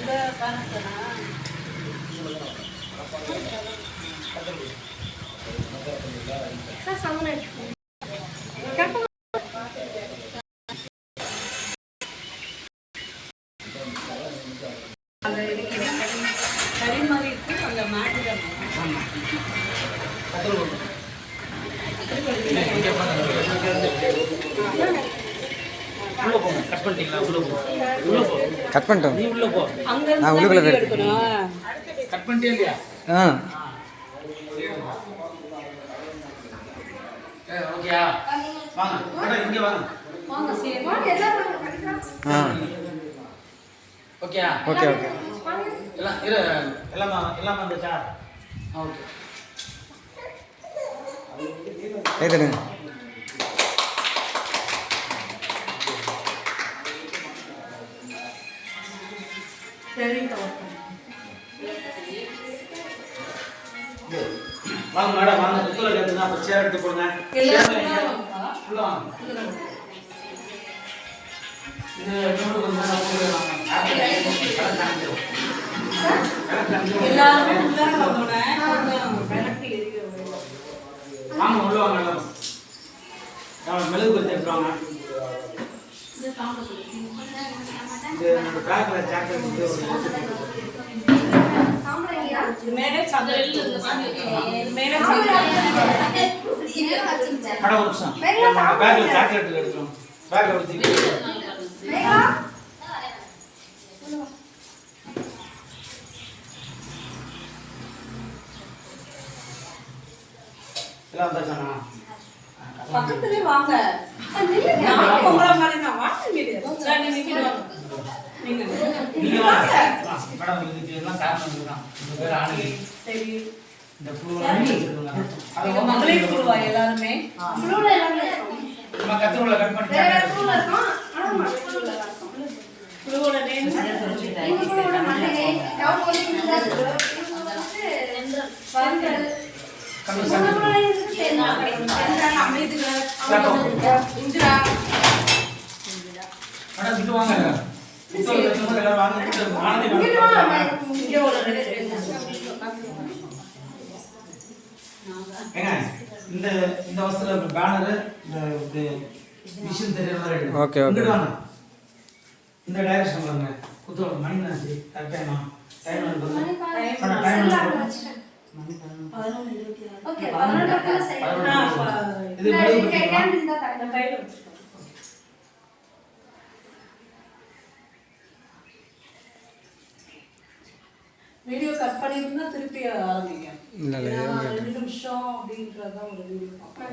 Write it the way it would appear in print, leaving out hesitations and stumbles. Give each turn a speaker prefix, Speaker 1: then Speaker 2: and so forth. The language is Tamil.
Speaker 1: கட் பண்ணிட்டோம். நீ உள்ள போ. நான் உள்ளுக்குள்ள போறேன். கட் பண்ணிட்டே இல்லையா? ஓகேயா? வாங்க. மேடம் இங்க வாங்க. வாங்க சரி. வாங்க எல்லாரும். ஓகேயா? Okay okay. எல்லாம் வந்துச்சா? ஓகே. ஏதேங்க. வாங்க மேடம் வாங்க புத்தல எடுத்துனா அப்ப சேர் எடுத்து போடுங்க உள்ள வாங்க இது இன்னொரு கொஞ்சம் எல்லாரும் உள்ள வாங்க கனெக்ட் ஏரியா வாங்க உள்ள வாங்க எல்லாரும் நான் மெழுகு பத்தி எடுத்துவாங்க இது காம்போ இது நம்ம பேக்ல ஜாக்கெட் मेरे चादर मेरे खड़ा हो सा बैग ले जैकेट ले लो बैग ले दी मेगा எல்லாம் வந்தாச்சா பக்கத்துலயே வாங்க நான் உங்கள மாதிரி நான் வாங்க சரி நீங்க வாங்க மேடம் இதுக்கு எல்லாம் காரணம் இதுதான் இந்த பேர் ஆணி சரி இந்த புளுவலாம் வச்சிருக்காங்க அது மகளிர் புளுவா எல்லாரும் புளுவல எல்லாமே நம்ம கத்திரோல கட் பண்ணி புளுவல இருக்கும் ஆனா புளுவல இருக்கும் புளுவல நேம் புளுவல மண்டே யாவ போலி வந்து கம்மி புளுவல சேனா அமைதுல இந்திரா மேடம் இது வாங்க புத்தல வெச்சவங்க எல்லாம் வாங்கிட்டு மானதி இங்க ஒரு ஏங்க இந்த இந்த வஸ்திர பேனர் இந்த மிஷன் தெரியற மாதிரி எடுங்க ஓகே ஓகே வாங்க இந்த டைரக்ஷன் வாங்க புத்தல மணி நாசி கரெக்ட்டா டைம் ஓகே 11:00 சரி இது கேன் இந்த கையில வச்சுக்கோ வீடியோ கட் பண்ணிருந்தா திருப்பி ஆரம்பிங்க இல்ல 2 நிமிஷம் அப்படின்றத ஒரு வீடியோ